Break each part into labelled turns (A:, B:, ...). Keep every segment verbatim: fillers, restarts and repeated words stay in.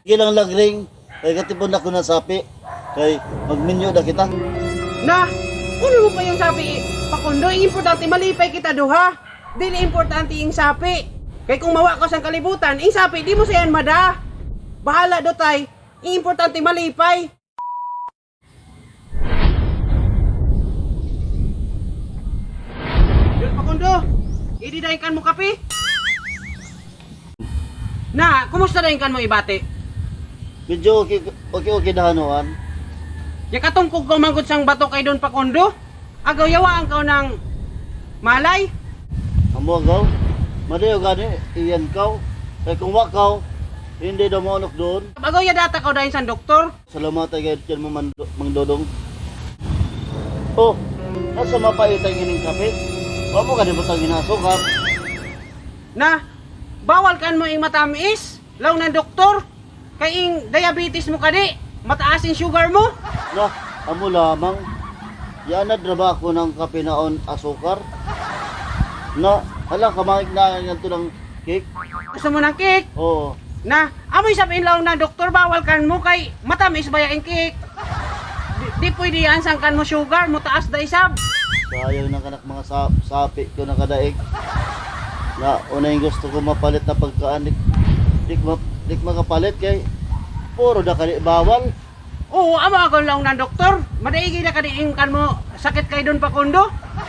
A: Gilang lagring, kay katipon ako na sapi. Kay magminyo na kita.
B: Na, uno mo pa yung sapi, Pakundo, ang importante malipay kita duha. Dili importante yung sapi. Kay kung mawa ka sa kalibutan, yung sapi, di mo sayan mada. Bahala do tay, ang importante malipay. Yun, Pakundo, ididahikan mo kape? Na, kumusta dahikan mo ibate?
A: Medyo okay, okay, okay na hanuan.
B: Ya katungkog ko manggod sang bato kay Don Pakundo. Agaw yawaan ka ng malay.
A: Amo agaw, madayo gani, iyan kaw. Kay kung wakaw, hindi daw maunok doon.
B: Agaw ya data ka dahil sa doktor.
A: Salamat ay kahit yan mo man, mang dodong. Oh, nasa mapaitang ining kape. Huwag mo ka di batang ginasukar.
B: Na, bawal kan mo ing matamis. Law ng doktor. Kay ing diabetes mo kadi. Mataas yung sugar mo.
A: Na, amo lamang. Yanad na ba ako ng kape naon asukar? Na, hala kamahig na yan to ng cake.
B: Gusto mo ng cake?
A: Oo.
B: Na, amoy sabihin law ng doktor, bawal kan mo kay matamis ba yung cake. Di, di pwede yan sangkan mo sugar, mo taas da isab.
A: Sayang ng kanak mga sap sapi ko na kadaig. Na, una yung gusto ko mapalit na pagkaan. Dik, dik, ma, dik makapalit kay puro da kali bawal.
B: Oo, amo ako lang ng doktor. Madaigi na kadiing kan mo sakit kay Don Pakundo.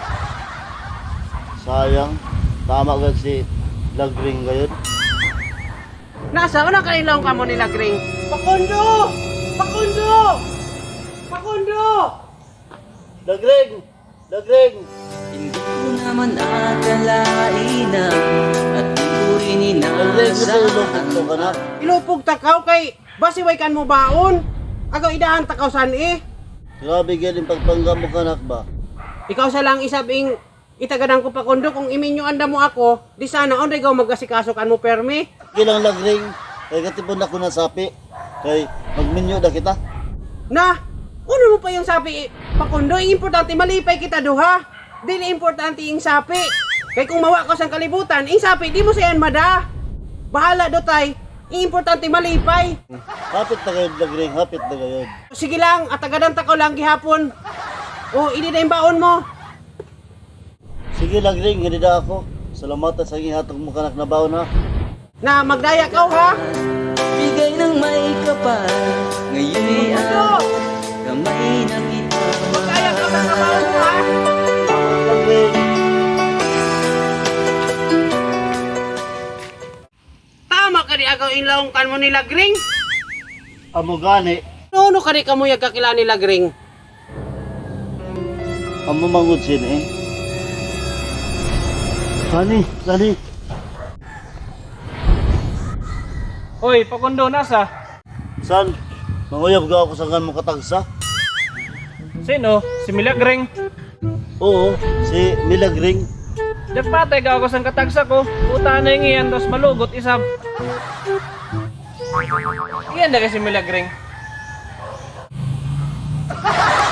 A: Sayang. Tama ka si Lagring ngayon.
B: Nasa unang kanilang kamo nila Gring. Pakundo! Pakundo! Pakundo!
A: Lagring! Lagring!
C: Hindi ko naman akalain na at di ko rin
A: Lagring, gusto ilupit
C: inaasahan.
A: ko ka na.
B: Ilupog takaw kay basiway kan mo baon. Agaw idahan takaw san eh.
A: Grabe galing pagpangga mo kanak ba?
B: Ikaw sa lang isabing itagadan ko Pakundo kung iminyo anda mo ako, di sana on regaw magasikaso kan mo permi.
A: Gilang Lagring, kay katipon ako na sapi. Kay magminyo na kita.
B: Na, uno mo pa yung sapi Pakundo, ang importante malipay kita duha. Dili importante yung sapi. Kay kung mawa ka sa kalibutan, yung sapi di mo sayan mada. Bahala do tay, ang importante malipay.
A: Hapit na kayo Lagring, hapit na kayo.
B: Sige lang, at agadan takaw lang gihapon. O, ini na yung baon mo.
A: Sige Lagring, hindi na ako. Salamat sa ihatag mo kanak na baon ha.
B: Na magdaya ka ha.
C: Bigay ng may kapal, ngayon'y ang kamay na kita
B: Magdaya ka ng baon mo ha.
A: Lagring!
B: Tama ka di agaw inlawong kan mo nila Gring.
A: Amo gani,
B: Nuno ka di kamuyag kakila nila Gring.
A: amo mangud sin eh. Sani, sani.
D: Hoy, Pakundo, nasa?
A: San? Manguyab ka ako sa kan mo katagsa?
D: Sino? Si Milagring.
A: Oo, si Milagring.
D: Dagpatay ka ako sa katagsa ko. Puta na yung iyan, tapos malugot isab. Iyan na kasi Milagring.